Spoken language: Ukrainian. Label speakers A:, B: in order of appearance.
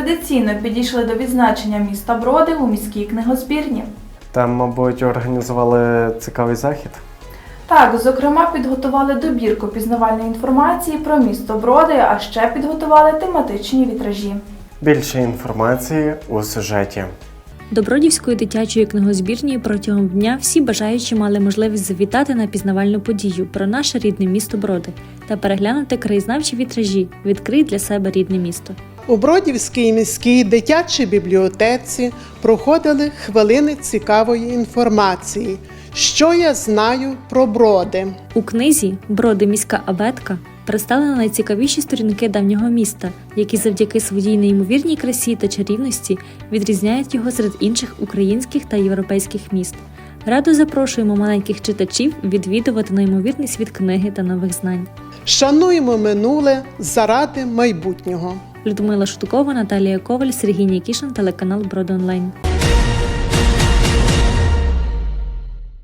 A: традиційно підійшли до відзначення міста Броди у міській книгозбірні.
B: Там, мабуть, організували цікавий захід.
A: Так, зокрема, підготували добірку пізнавальної інформації про місто Броди, а ще підготували тематичні вітражі.
B: Більше інформації у сюжеті.
C: До Бродівської дитячої книгозбірні протягом дня всі бажаючі мали можливість завітати на пізнавальну подію про наше рідне місто Броди та переглянути краєзнавчі вітражі «Відкрий для себе рідне місто».
D: У Бродівській міській дитячій бібліотеці проходили хвилини цікавої інформації. Що я знаю про Броди?
C: У книзі «Броди. Міська абетка» представлено найцікавіші сторінки давнього міста, які завдяки своїй неймовірній красі та чарівності відрізняють його серед інших українських та європейських міст. Радо запрошуємо маленьких читачів відвідувати неймовірний світ книги та нових знань.
D: Шануємо минуле заради майбутнього.
C: Людмила Шутукова, Наталія Коваль, Сергій Нікішин, телеканал Броди Онлайн.